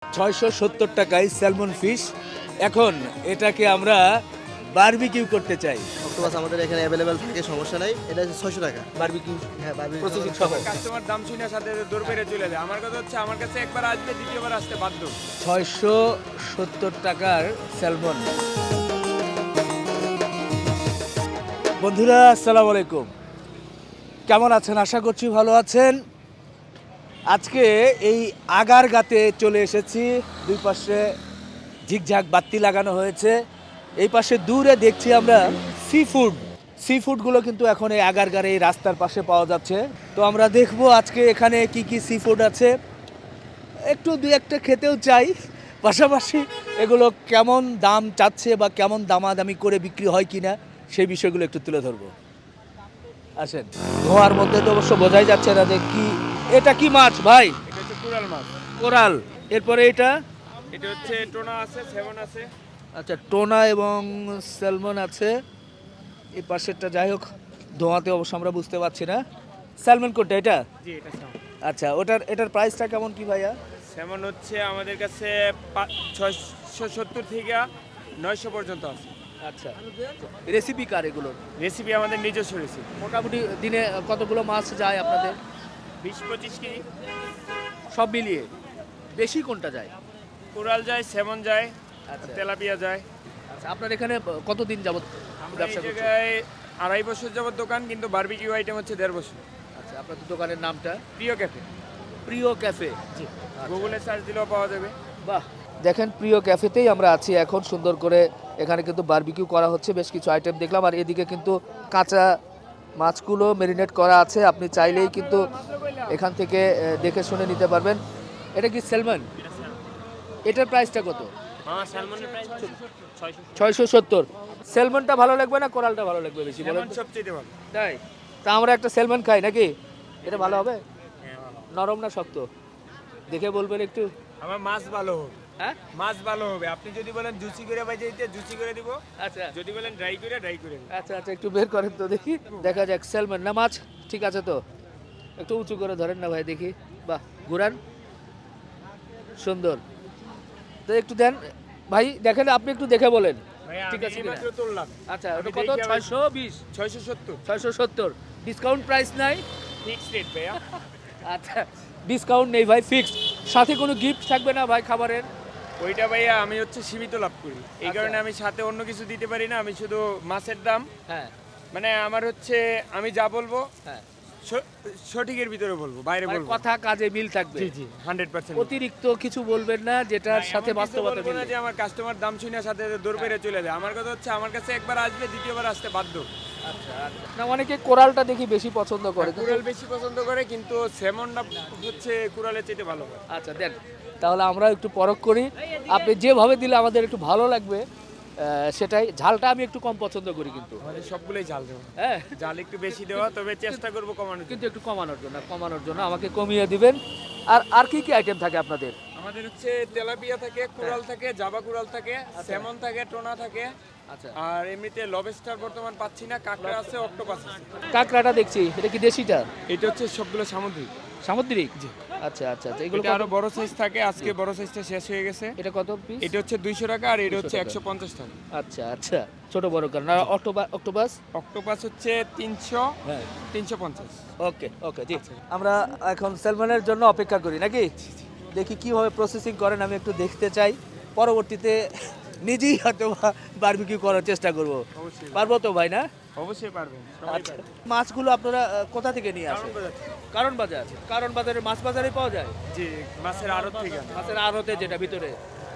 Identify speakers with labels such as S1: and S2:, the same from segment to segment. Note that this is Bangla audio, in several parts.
S1: 670 টাকায় স্যালমন ফিশ। এখন এটাকে আমরা বারবিকিউ করতে চাই।
S2: অক্টোপাস আমাদের এখানে অ্যাভেলেবেল থাকে, সমস্যা নাই। এটা হচ্ছে 600 টাকা।
S1: বারবিকিউ
S2: হ্যাঁ, বারবিকিউ
S1: প্রসেসিং সহ
S3: কাস্টমার দাম শুনে সাথে দৌড় বেড়ে চলে যায়। আমার কথা হচ্ছে আমার কাছে একবার আসবে, দ্বিতীয়বার আসতে বাধ্য।
S1: 670 টাকার স্যালমন। বন্ধুরা আসসালামু আলাইকুম, কেমন আছেন? আশা করছি ভালো আছেন। আজকে এই আগারগাতে চলে এসেছি। দুই পাশে ঝিকঝাক বাতি লাগানো হয়েছে। এই পাশে দূরে দেখছি আমরা সি ফুডগুলো কিন্তু এখন এই আগারগার এই রাস্তার পাশে পাওয়া যাচ্ছে। তো আমরা দেখবো আজকে এখানে কি কি সি ফুড আছে, একটু দুই একটা খেতেও চাই। পাশাপাশি এগুলো কেমন দাম চাচ্ছে বা কেমন দামাদামি করে বিক্রি হয় কিনা সেই বিষয়গুলো একটু তুলে ধরবো। আসেন। ধোঁয়ার মধ্যে তো অবশ্য বোঝাই যাচ্ছে না যে কি এটা কি মাছ ভাই।
S3: এটা হচ্ছে কুড়াল মাছ।
S1: কোরাল। এরপরে এটা
S3: এটা হচ্ছে টোনা আছে, সেভন আছে।
S1: আচ্ছা, টোনা এবং স্যালমন আছে। এই পাশেরটা যাই হোক, ধোঁয়াতে অবশ্য আমরা বুঝতে পারছি না। স্যালমন কোনটা এটা?
S3: জি, এটা সেমন।
S1: আচ্ছা, এটার প্রাইসটা কেমন কি ভাইয়া?
S3: সেমন হচ্ছে আমাদের কাছে 670 থেকে 900 পর্যন্ত আছে।
S1: আচ্ছা, রেসিপি কার এগুলোর?
S3: রেসিপি আমাদের নিজস্ব রেসিপি।
S1: মোটামুটি দিনে কতগুলো মাছ যায় আপনাদের?
S3: 20-25 কেজি।
S1: সব মিলিয়ে বেশি কোনটা যায়?
S3: কুড়াল যায়, সেমন যায়,
S1: আচ্ছা
S3: তেলাপিয়া যায়।
S1: আচ্ছা, আপনার এখানে কতদিন যাবত
S3: আমরা এই
S1: ব্যবসা করছেন?
S3: জায়গায় 2.5 বছর যাবত দোকান, কিন্তু বারবিকিউ আইটেম হচ্ছে 1.5 বছর।
S1: আচ্ছা, আপনাদের দোকানের নামটা?
S3: প্রিয় ক্যাফে।
S1: প্রিয় ক্যাফে।
S3: জি, গুগলে সার্চ দিলেও পাওয়া যাবে।
S1: বাহ, দেখেন প্রিয় ক্যাফেতেই আমরা আছি এখন। সুন্দর করে এখানে কিন্তু বারবিকিউ করা হচ্ছে, বেশ কিছু আইটেম দেখলাম। আর এদিকে কিন্তু কাঁচা মাছগুলো মেরিনেট করা আছে, আপনি চাইলেই কিন্তু এখান থেকে দেখে শুনে নিতে পারবেন। এটা কি স্যালমন? এটার প্রাইসটা কত?
S3: হ্যাঁ, স্যালমনের প্রাইস 600।
S1: 670। স্যালমনটা ভালো লাগবে না কোরালটা ভালো লাগবে বেশি বলেন
S3: সেমন
S1: তো?
S3: সবচেয়ে ভালো।
S1: তাই? তা আমরা একটা স্যালমন খাই নাকি? এটা ভালো হবে?
S3: হ্যাঁ, ভালো।
S1: নরম না শক্ত দেখে বলবেন একটু।
S3: আমার মাছ ভালো হবে।
S1: হ্যাঁ,
S3: মাছ ভালো হবে। আপনি যদি বলেন জুসি করে বাজে দিতে, জুসি করে দিব।
S1: আচ্ছা
S3: যদি বলেন ড্রাই করে, ড্রাই করে দিব।
S1: আচ্ছা আচ্ছা, একটু বের করেন তো দেখি, দেখা যাক। স্যালমন না মাছ? ঠিক আছে, তো একটু উঁচু করে ধরেন না ভাই দেখি। বাহ, ঘুরান, সুন্দর। তো একটু দেন ভাই, দেখেন আপনি একটু দেখে বলেন
S3: ভাই
S1: ঠিক
S3: আমি
S1: আছে
S3: এই
S1: কিনা।
S3: মাত্র তুললাম।
S1: আচ্ছা,
S3: আমি
S1: ওটা কত?
S3: দেখি আবার-
S1: 620?
S3: 670
S1: 670 ডিসকাউন্ট প্রাইস নাই?
S3: ফিক্সড রেট ভাইয়া।
S1: আচ্ছা, ডিসকাউন্ট নেই ভাই, ফিক্সড। সাথে কোনো গিফট থাকবে না ভাই খাবারের?
S3: ওইটা ভাইয়া আমি হচ্ছে সীমিত লাভ করি, এই
S1: আচ্ছা।
S3: কারণে আমি সাথে অন্য কিছু দিতে পারি না। আমি শুধু মাছের দাম,
S1: হ্যাঁ
S3: মানে আমার হচ্ছে আমি যা বলবো
S1: হ্যাঁ,
S3: সঠিকের ভিতরে বলবো, বাইরে
S1: মানে
S3: বলবো।
S1: কথা কাজে মিল থাকবে।
S3: জি জি, 100%।
S1: অতিরিক্ত কিছু বলবেন না যেটার সাথে বাস্তবতা
S3: বলবো না
S1: মিলে।
S3: যে আমার কাস্টমার দাম শুনে সাথে দৌড় বেড়ে চলে যায়। আমার কথা হচ্ছে আমার কাছে একবার আসবে, দ্বিতীয়বার আসতে বাধ্য।
S1: আচ্ছা আচ্ছা, না অনেকে কোরালটা দেখি বেশি পছন্দ করে কিন্তু-
S3: কুড়াল বেশি পছন্দ করে, কিন্তু সেমনটা হচ্ছে কুড়ালের চাইতে ভালো হয়।
S1: আচ্ছা দেন, তাহলে আমরা একটু পরখ করি। আপনি যেভাবে দিলে আমাদের একটু ভালো লাগবে সেটাই। ঝালটা আমি একটু কম পছন্দ করি কিন্তু।
S3: আমাদের সবগুলোই জাল দেওয়া,
S1: হ্যাঁ,
S3: জাল একটু বেশি দেওয়া, তবে চেষ্টা করবো কমানোর জন্য।
S1: কিন্তু একটু কমানোর জন্য আমাকে কমিয়ে দিবেন। আর আর কি কি আইটেম থাকে আপনাদের?
S3: আমাদের হচ্ছে তেলাপিয়া থাকে, কুড়াল থাকে, জাবা কুড়াল থাকে, স্যামন থাকে, টোনা থাকে।
S1: আচ্ছা,
S3: আর এমনিতে লবস্টার বর্তমান পাচ্ছি না, কাঁকড়া আছে, অক্টোপাস আছে।
S1: কাঁকড়াটা দেখছি, এটা কি দেশিটা?
S3: এটা হচ্ছে সবগুলো সামুদ্রিক।
S1: সামুদ্রিক? আচ্ছা আচ্ছা আচ্ছা, এগুলো
S3: এটা
S1: কত?
S3: আরো বড় সাইজ থাকে, আজকে বড় সাইজটা শেষ হয়ে গেছে।
S1: এটা কত পিস?
S3: এটা হচ্ছে 200 টাকা, আর এটা
S1: 200
S3: হচ্ছে
S1: টাকা।
S3: 150 টাকা।
S1: আচ্ছা আচ্ছা, ছোট বড় কারণ। আর অক্টোপাস?
S3: অক্টোপাস হচ্ছে 300,
S1: হ্যাঁ,
S3: 350।
S1: ওকে ওকে জি। আমরা এখন স্যালমনের জন্য অপেক্ষা করি নাকি? দেখি কিভাবে প্রসেসিং করেন, আমি একটু দেখতে চাই। পরবর্তীতে নিজেই হয়তো বারবিকিউ করার চেষ্টা করব।
S3: অবশ্যই
S1: পারবো তো ভাই না?
S3: অবশ্যই পারবেন, সবাই
S1: আচ্ছা,
S3: পারবেন।
S1: মাছগুলো আপনারা কোথা থেকে নিয়ে আসেন? কারণ বাজার? কারণ বাজারে মাছ বাজারে পাওয়া যায়?
S3: জি, মাছের আড়ত থেকে আনা।
S1: মাছের আড়তে যেটা ভিতরে।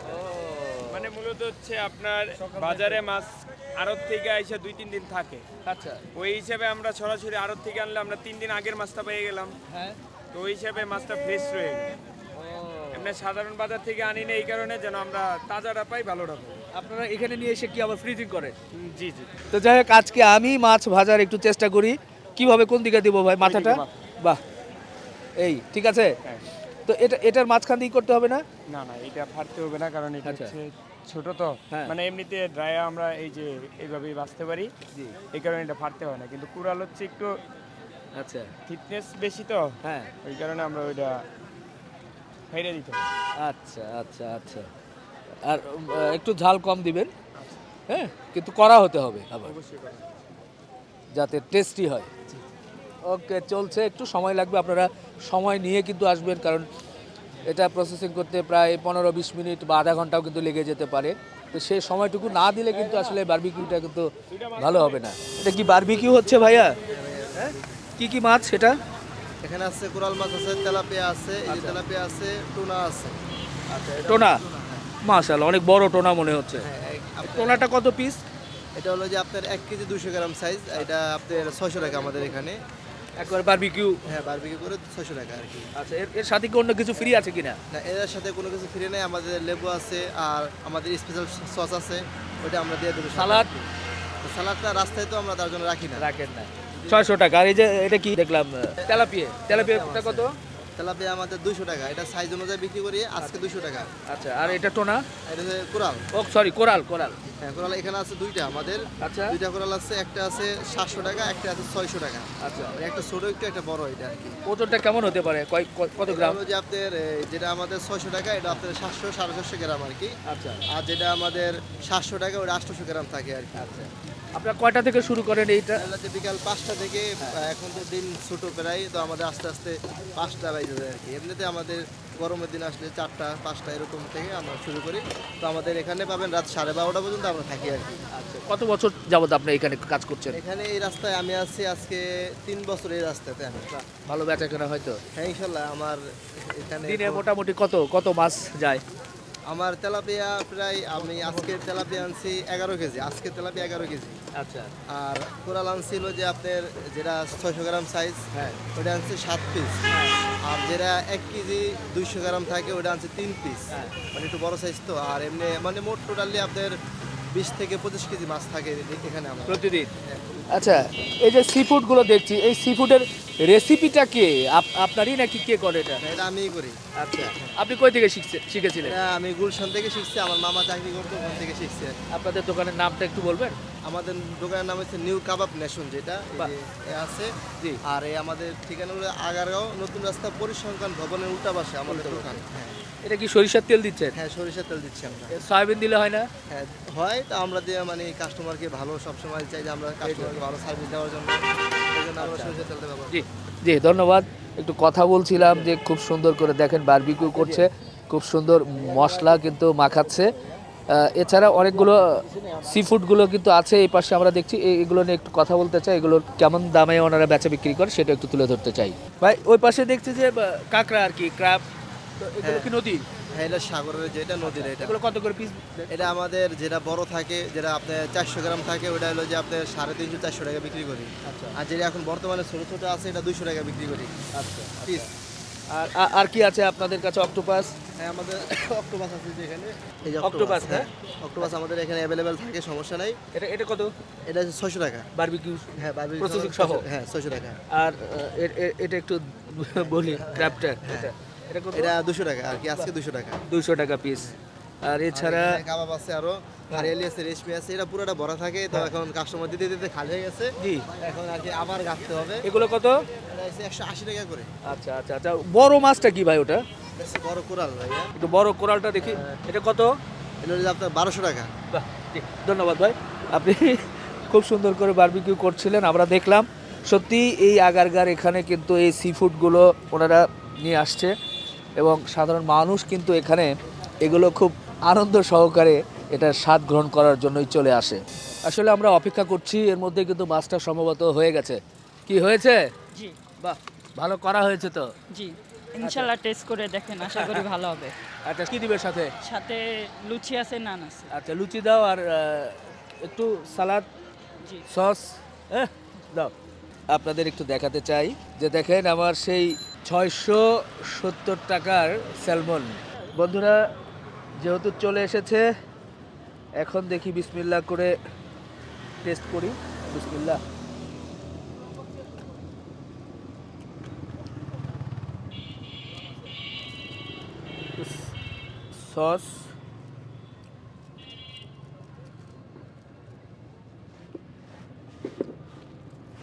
S3: মানে মূলত হচ্ছে আপনার বাজারে মাছ আড়ত থেকে আইসা 2-3 দিন থাকে।
S1: আচ্ছা,
S3: ওই হিসাবে আমরা সরাসরি আড়ত থেকে আনলে আমরা 3 দিন আগের মাছটা পেয়ে গেলাম।
S1: হ্যাঁ।
S3: তো ওই হিসাবে মাছটা ফ্রেশ রয়ে গেল। এমনি সাধারণ বাজার থেকে আনি না, এই কারণে যেন আমরা তাজাটা পাই, ভালোটা পাই।
S1: আপনারা এখানে নিয়ে এসে কি আবার ফ্রিজিং করেন?
S3: জি জি।
S1: তো যাই হোক, আজকে আমি মাছ ভাজার একটু চেষ্টা করি। কিভাবে, কোন দিকে দিব ভাই? মাথাটা?
S3: মাথা।
S1: বাহ, এই ঠিক আছে।
S3: হ্যাঁ।
S1: তো এটার মাঝখান দিয়ে করতে হবে না?
S3: না না, এটা ফাটতে হবে না, কারণ এটা
S1: আচ্ছা।
S3: হচ্ছে ছোট তো।
S1: হ্যাঁ।
S3: মানে এমনিতে ড্রায়া আমরা এই যে এইভাবেই বাঁচতে পারি,
S1: জি।
S3: এই কারণে এটা ফাটতে হয় না। কিন্তু কুড়াল হচ্ছে একটু
S1: আচ্ছা,
S3: থিকনেস বেশি তো,
S1: হ্যাঁ।
S3: ওই কারণে আমরা ওইটা ফেলে দিতে হবে।
S1: আচ্ছা আচ্ছা আচ্ছা। আর একটু ঝাল কম দিবেন, হ্যাঁ, কিন্তু করা হতে হবে আবার,
S3: অবশ্যই করা।
S1: যাতে টেস্টি হয়। ওকে, চলছে, একটু সময় লাগবে, আপনারা সময় নিয়ে কিন্তু আসবেন, কারণ এটা প্রসেসিং করতে প্রায় 15-20 মিনিট বা আধা ঘন্টাও কিন্তু লেগে যেতে পারে। তো সেই সময়টুকু না দিলে কিন্তু আসলে বারবিকিউটা কিন্তু ভালো হবে না। এটা কি বারবিকিউ হচ্ছে ভাইয়া? হ্যাঁ, কি কি মাছ সেটা?
S2: এখানে আছে কোরাল মাছ আছে, তেলাপিয়া আছে, এই যে তেলাপিয়া আছে, টুনা আছে।
S1: টোনা, মাশাআল্লাহ, অনেক বড় টোনা মনে হচ্ছে।
S2: হ্যাঁ
S1: টোনাটা কত পিস?
S2: এটা হলো যে আপনার 1 কেজি 200 গ্রাম সাইজ, এটা আপনার 600 টাকা আমাদের এখানে।
S1: একবার বারবিকিউ।
S2: হ্যাঁ, বারবিকিউ করে 600 টাকা আর কি।
S1: আচ্ছা, এর সাথে কি অন্য কিছু ফ্রি আছে কিনা?
S2: না, এর সাথে কোনো কিছু ফ্রি নেই, আমাদের লেবু আছে আর আমাদের স্পেশাল সস আছে, ওটা আমরা দিয়ে দেবো।
S1: সালাদ?
S2: সালাদটা রাস্তায় তো আমরা তার জন্য রাখি না।
S1: রাখেন না। 600 টাকা। আর এই যে এটা কি দেখলাম, তেলাপিয়াটা কত?
S2: তেলাপিয়া আমাদের 200 টাকা, এটা সাইজ অনুযায়ী বিক্রি করি, আজকে 200 টাকা।
S1: আচ্ছা, আর এটা টোনা?
S2: এটা হচ্ছে কোরাল।
S1: ও সরি, কোরাল।
S2: হ্যাঁ, কোরাল এখানে আছে দুইটা আমাদের।
S1: আচ্ছা
S2: দুইটা কোরাল আছে, একটা আছে 700 টাকা, একটা আছে 600 টাকা।
S1: আচ্ছা।
S2: একটা ছোট একটু, একটা বড়, এটা আর কি।
S1: ওজনটা কেমন হতে পারে, কত
S2: এটা
S1: গ্রাম?
S2: হলো যে আপনার যেটা আমাদের 600 টাকা, এটা আপনার 700-750 গ্রাম আর কি।
S1: আচ্ছা
S2: আর যেটা আমাদের 700 টাকা, ওটা 800 গ্রাম থাকে আর কি।
S1: আচ্ছা। আপনারা কয়টা থেকে শুরু করেন এইটা?
S2: তাহলে যে বিকাল 5টা থেকে, এখন তো দিন ছোট প্রায়, তো আমাদের আস্তে আস্তে 5টা বাজে যায় আর কি। এমনিতে আমাদের গরমের দিন আসলে 4টা 5টা এরকম থেকে আমরা শুরু করি। তো আমাদের এখানে পাবেন রাত 12:30 পর্যন্ত আমরা থাকি আর কি।
S1: আচ্ছা, কত বছর যাবত আপনি এখানে কাজ করছেন?
S2: এখানে এই রাস্তায় আমি আছি আজকে 3 বছর এই রাস্তাতে আমি।
S1: ভালো বেচা কেনা হয়তো?
S2: হ্যাঁ, ইনশাল্লাহ। আমার এখানে
S1: দিনে মোটামুটি কত মাছ যায়?
S2: আমার তেলাপিয়া প্রায়, আমি আজকে তেলাপিয়া আনছি 11 কেজি, আজকে তেলাপিয়া 11 কেজি।
S1: আচ্ছা
S2: আর কোরাল আনছিল যে আপনার যেটা 600 গ্রাম সাইজ,
S1: হ্যাঁ
S2: ওটা আনছে 7 পিস। আর যেটা 1 কেজি 200 গ্রাম থাকে, ওটা আনছে 3 পিস।
S1: হ্যাঁ।
S2: মানে একটু বড় সাইজ তো। আর এমনি মানে মোট টোটালি আপনার 20 থেকে 25 কেজি মাছ থাকে এখানে আমার।
S1: প্রতিদিন। আচ্ছা, এই যে সি ফুডগুলো দেখছি, এই সি ফুডের রেসিপিটা কে, আপনারই নাকি কে করে এটা?
S2: এটা আমিই করি।
S1: আচ্ছা, আপনি কই থেকে শিখেছিলেন?
S2: এটা আমি গুলশান থেকে শিখছি, আমার মামা চাকরি করতো, ওখান থেকে শিখছি আর কি।
S1: আপনাদের দোকানের নামটা একটু বলবেন?
S2: আমাদের দোকানের নাম হচ্ছে নিউ কাবাব নেশন, যেটা এই
S1: বাহ।
S2: যে এ আছে।
S1: জি।
S2: আর এই আমাদের ঠিকানা হলো আগারগাঁও নতুন রাস্তা পরিসংখ্যান ভবনের উল্টা পাশে আমাদের দোকান। হ্যাঁ
S1: এটা কি সরিষার তেল দিচ্ছেন?
S2: হ্যাঁ, সরিষার তেল দিচ্ছি আমরা।
S1: সয়াবিন দিলে হয় না?
S2: হ্যাঁ, হয়। তা আমরা দিয়ে মানে কাস্টমারকে ভালো সবসময় চাই যে আমরা কাস্টমারকে ভালো সার্ভিস দেওয়ার জন্য, এই জন্য আমরা সরিষার তেলটা ব্যবহার করি।
S1: জি জি, ধন্যবাদ। একটু কথা বলছিলাম যে খুব সুন্দর করে দেখেন বারবিকিউ করছে, খুব সুন্দর মশলা কিন্তু মাখাচ্ছে। এছাড়া অনেকগুলো সি ফুডগুলো কিন্তু আছে এই পাশে, আমরা দেখছি। এগুলো নিয়ে একটু কথা বলতে চাই, এগুলোর কেমন দামে ওনারা বেচা বিক্রি করে সেটা একটু তুলে ধরতে চাই। ভাই, ওই পাশে দেখছি যে কাঁকড়া আর কি, ক্র্যাব, তো এগুলো কি নদী?
S2: হ্যাঁ, এটা সাগরের, যেটা নদীর, এটা।
S1: এগুলো কত করে পিস?
S2: এটা আমাদের যেটা বড় থাকে, যেটা আপনার 400 গ্রাম থাকে, ওটা হলো যে আপনার 350-400 টাকা বিক্রি করি।
S1: আচ্ছা
S2: আর যেটা এখন বর্তমানে ছোট ছোট আছে, এটা 200 টাকা বিক্রি করি
S1: আচ্ছা।
S2: পিস।
S1: আর কি আছে আপনাদের কাছে? অক্টোপাস?
S2: হ্যাঁ, আমাদের অক্টোপাস আছে যেখানে, এই যে
S1: অক্টোপাস,
S2: হ্যাঁ, অক্টোপাস আমাদের এখানে অ্যাভেলেবেল থাকে, সমস্যা নাই।
S1: এটা কত?
S2: এটা হচ্ছে 600 টাকা।
S1: বারবিকিউ?
S2: হ্যাঁ, বারবিকিউ
S1: Processing সহ?
S2: হ্যাঁ, 600 টাকা।
S1: আর এটা একটু বলি, ক্র্যাবটা এটা কত?
S2: এটা 200 টাকা আর কি, আজকে 200 টাকা।
S1: 200 টাকা পিস। আর এছাড়া
S2: এখানে কাবাব আছে, আরো হারিয়ালি আছে, রেশমি আছে, এটা পুরোটা ভরা থাকে। তো এখন কাস্টমার দিতে দিতে খালি হয়ে গেছে,
S1: জি,
S2: এখন আর কি আবার গাঁথতে হবে।
S1: এগুলো কত?
S2: এটা হচ্ছে 180 টাকা করে।
S1: আচ্ছা আচ্ছা আচ্ছা। বড় মাছটা কি ভাই ওটা?
S2: এটা হচ্ছে বড় কোরাল ভাইয়া।
S1: একটু বড় কোরালটা দেখি, এটা কত?
S2: এটা হচ্ছে আপনার 1200 টাকা।
S1: বাহ, জি, ধন্যবাদ ভাই। আপনি খুব সুন্দর করে বারবিকিউ করছিলেন, আমরা দেখলাম। সত্যি এই আগারগার এখানে কিন্তু এই সি ফুডগুলো ওনারা নিয়ে আসছে, এবং সাধারণ মানুষ কিন্তু এখানে এগুলো খুব আনন্দ সহকারে এটার স্বাদ গ্রহণ করার জন্যই চলে আসে। আসলে আমরা অপেক্ষা করছি, এর মধ্যে কিন্তু মাছটা সম্ভবত হয়ে গেছে। কি হয়েছে?
S4: জি
S1: বাহ, ভালো করা হয়েছে তো।
S4: জি ইনশাল্লাহ টেস্ট করে দেখেন, আশা করি ভালো হবে।
S1: আচ্ছা, কি দিবে সাথে?
S4: সাথে লুচি আছে, নান আছে।
S1: আচ্ছা, লুচি দাও, আর একটু সালাদ,
S4: জি
S1: সস দাও। আপনাদের একটু দেখাতে চাই যে দেখেন আমার সেই 670 টাকার স্যালমন। বন্ধুরা, যেহেতু চলে এসেছে, এখন দেখি বিসমিল্লাহ করে টেস্ট করি। বিসমিল্লাহ। সস,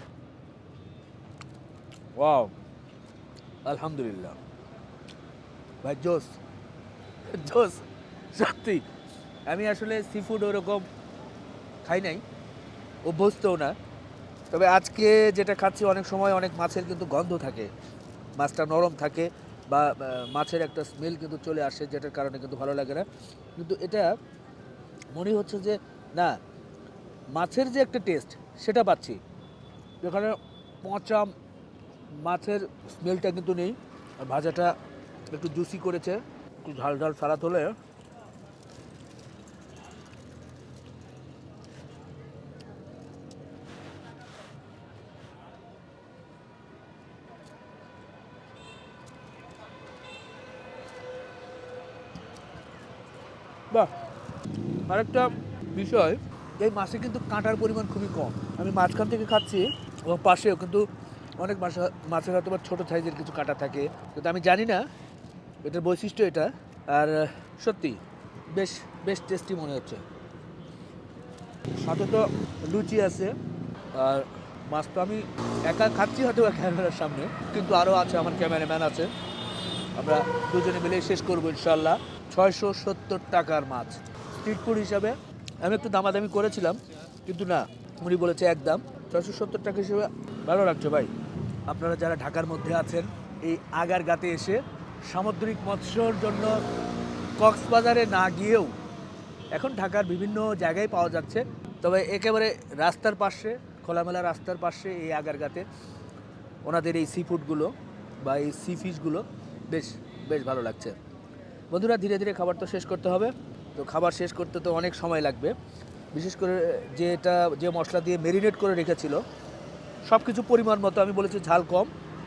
S1: ওয়াও, আলহামদুলিল্লাহ। ভাই জোস জোস সত্যি। আমি আসলে সি ফুড ওরকম খাই নাই, অভ্যস্তও না। তবে আজকে যেটা খাচ্ছি অনেক সময় অনেক মাছের কিন্তু গন্ধ থাকে, মাছটা নরম থাকে বা মাছের একটা স্মেল কিন্তু চলে আসে, যেটার কারণে কিন্তু ভালো লাগে না। কিন্তু এটা মনে হচ্ছে যে না, মাছের যে একটা টেস্ট সেটা পাচ্ছি, যেখানে পচা মাছের স্মেলটা কিন্তু নেই। আর ভাজাটা একটু জুসি করেছে, একটু ঝাল ঝাল সালাদ হলে বাহ। আরেকটা বিষয়, এই মাছে কিন্তু কাঁটার পরিমাণ খুবই কম। আমি মাঝখান থেকে খাচ্ছি এবং পাশেও কিন্তু অনেক মাছের হয়তো বা ছোটো সাইজের কিছু কাঁটা থাকে, কিন্তু আমি জানি না এটার বৈশিষ্ট্য এটা। আর সত্যি বেশ বেশ টেস্টি মনে হচ্ছে। সাথে তো লুচি আছে। আর মাছ তো আমি একা খাচ্ছি হয়তো বা ক্যামেরার সামনে, কিন্তু আরও আছে, আমার ক্যামেরাম্যান আছে, আমরা দুজনে মিলে শেষ করবো ইনশাল্লাহ। 670 টাকার মাছ স্ট্রিট ফুড হিসাবে। আমি একটু দামাদামি করেছিলাম, কিন্তু না, উনি বলেছে একদম 670 টাকা হিসেবে ভালো লাগছে ভাই। আপনারা যারা ঢাকার মধ্যে আছেন, এই আগারগাঁতে এসে সামুদ্রিক মৎস্যর জন্য কক্সবাজারে না গিয়েও এখন ঢাকার বিভিন্ন জায়গায় পাওয়া যাচ্ছে। তবে একেবারে রাস্তার পাশে, খোলামেলা রাস্তার পাশে এই আগারগাঁতে ওনাদের এই সি ফুডগুলো বা এই সি ফিশগুলো বেশ বেশ ভালো লাগছে। বন্ধুরা, ধীরে ধীরে খাবার তো শেষ করতে হবে। তো খাবার শেষ করতে তো অনেক সময় লাগবে, বিশেষ করে যে মশলা দিয়ে মেরিনেট করে রেখেছিল সব কিছু পরিমাণ মতো। আমি বলেছি ঝাল কম,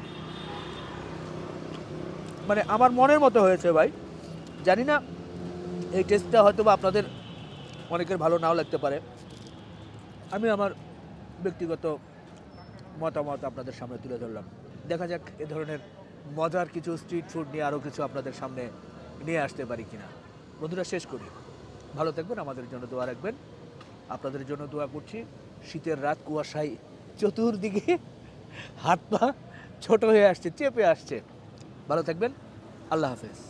S1: মানে আমার মনের মতো হয়েছে ভাই। জানি না এই টেস্টটা হয়তো বা আপনাদের অনেকের ভালো নাও লাগতে পারে। আমি আমার ব্যক্তিগত মতামত আপনাদের সামনে তুলে ধরলাম। দেখা যাক এ ধরনের মজার কিছু স্ট্রিট ফুড নিয়ে আরও কিছু আপনাদের সামনে নিয়ে আসতে পারি কিনা। বন্ধুরা, শেষ করি। ভালো থাকবেন, আমাদের জন্য দোয়া রাখবেন। আপনাদের জন্য দোয়া করছি। শীতের রাত, কুয়াশায় চতুর্দিকে হাত পা ছোট হয়ে আসছে, চেপে আসছে। ভালো থাকবেন, আল্লাহ হাফেজ।